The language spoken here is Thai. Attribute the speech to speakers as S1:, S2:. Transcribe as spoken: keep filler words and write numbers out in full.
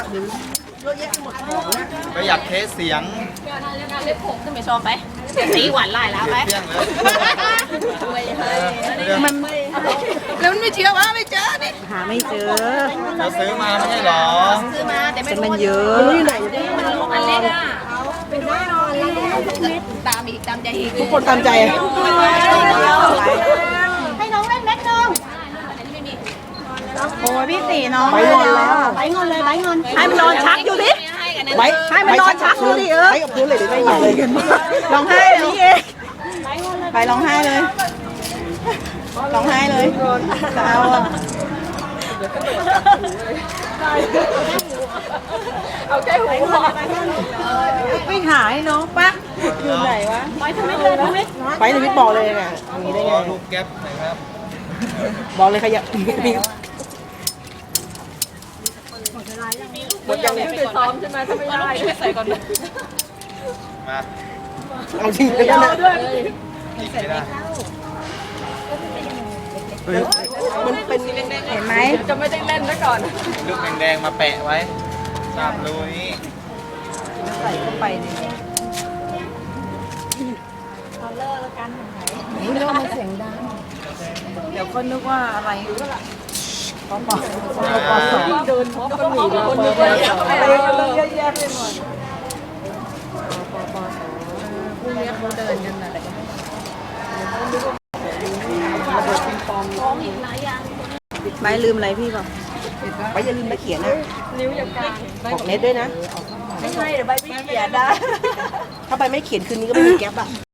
S1: ก็อยากเทสเสียง
S2: เล็บผมขึ้นไปชมไปสีหวานลายแล้วไป
S1: เสียงเลย
S2: มันแล้วมันไม่เชื่อว่าไม่เจอนี่
S3: หาไม่เจอ
S1: เราซื้อมาไม่ใช่หรอ
S2: ซื้อมาแต่ไม่
S3: แต่
S2: รู้
S3: มันเยอะ
S2: มันอยู่ไหนมันลูกอันเล็กอ่ะไปดูนอนตามอีกตามใจอีก
S3: ทุกคนตามใจ
S2: ให้น้องเล่นแม็กน้อง
S3: โอ้ยพี่ตีน้อง
S4: ไปงอนแล้ว
S2: ไปงอนเลยไปงอน
S3: ให้มันนอนชักอยู่ดิ
S4: ไป
S3: ให้มันนอนชักอยู่ดิเออ
S4: ไปกับพื้นเลยเดี๋ยวไม่หยิบเลยกัน
S3: ร้องไห้เลยนี่เองไปร้องไห้เลยร้องไห้เลยจะเอาอะ
S2: เอาแค่หูพอ
S3: ไปหาให้น้องปะอยู่ไหนวะ
S2: ไปทำไมเลยทำไม
S4: ไปในวิทย์บอกเลยไงอย่างนี้ได้ไง
S1: ลูกแก๊ปหน่อยครับ
S4: บอกเลยขยับมี
S2: หมดยังเนี่ยไปซ้อมใช่ไหมถ้าไม่ได้ใส่ก่อน
S1: มา
S4: เอาจริงเลยนะ
S1: อีกไม่ได้
S4: มันเป็น
S3: เห็นไหม
S2: จะไม่ได้เล่นซะก่อน
S1: ลูกแดงๆมาแปะไว้ตามรูนี้
S3: ใส่เข้าไปดิ
S2: นี่เรื่องมันเสียงดัง
S3: เดี๋ยวคนนึกว่าอะไรปอปอ
S1: ปอสอง
S2: เดินพร้อมกันหนีคนนึงเลย
S3: อะไรกันเยอะแยะไปหมดปอปอสองพรุ่งนี้เขาเดินกันอะไรกันไปลืมอะไรพี่บอก
S4: ไปอย่าลืมมาเขียนนะ
S2: นิ้วอย่างกลาง
S4: บอกเน็ตด้วยนะ
S2: ไม่ใช่เดี๋ยวใบไม่เขียนได้
S4: ถ้าไปไม่เขียนคืนนี้ก็ไม่มีแก๊ปอ่ะ